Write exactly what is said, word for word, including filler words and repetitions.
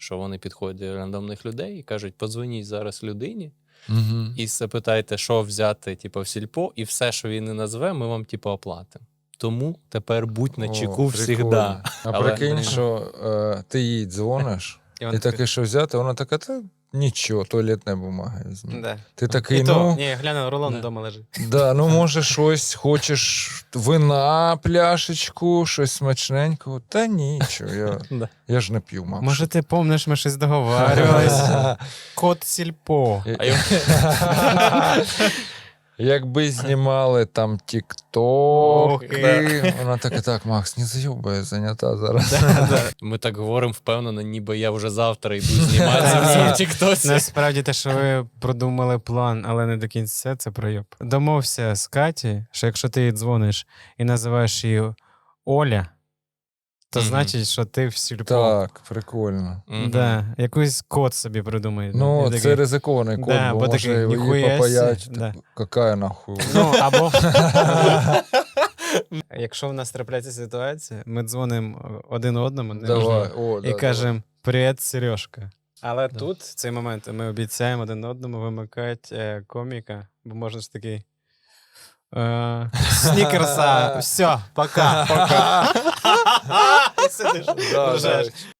що вони підходять до рандомних людей і кажуть, подзвоніть зараз людині Угу. і запитайте, що взяти типу, в сільпо, і все, що він не назве, ми вам типу, оплатимо. Тому тепер будь на чеку всегда. А Але- прикинь, що е, ти їй дзвониш, І і вона таке, що взяти, вона така, та нічого, туалетна бумага візьме. Да. Ти такий, І то, ну, ні, гляну, рулон Да. вдома лежить. да, ну може щось, хочеш вина, пляшечку, щось смачненького. Та нічого, я, Да. я ж не п'ю, мам. Може, ти помниш, ми щось договарювалися? Кот сільпо. А я- Якби знімали там Ох, тік-токи, вона така, так, Макс, не зайобай, я зайнята зараз. Ми так говоримо впевнено, ніби я вже завтра йду зніматися в цьому тіктоці. Насправді те, що ви продумали план, але не до кінця, це пройоб. Домовся з Каті, що якщо ти їй дзвониш і називаєш її Оля, то Мгм. значить, що ти в сільпо. Так, прикольно. Мгм. Да, якийсь код собі придумай. Ну, І це такий, ризикований код, Да, бо бо може такий, її ніхуя попаять. сі, да. типу, Какая нахуй? Ну, або якщо в нас трапляється ситуація, ми дзвонимо один одному не Давай, можна, о, і да, кажемо «Привіт, Сережка». Але Да. тут, в цей момент, ми обіцяємо один одному вимикати е, коміка, бо можна ж такий е, снікерса, все, пока, пока. І сидиш, Да, ржеш. да.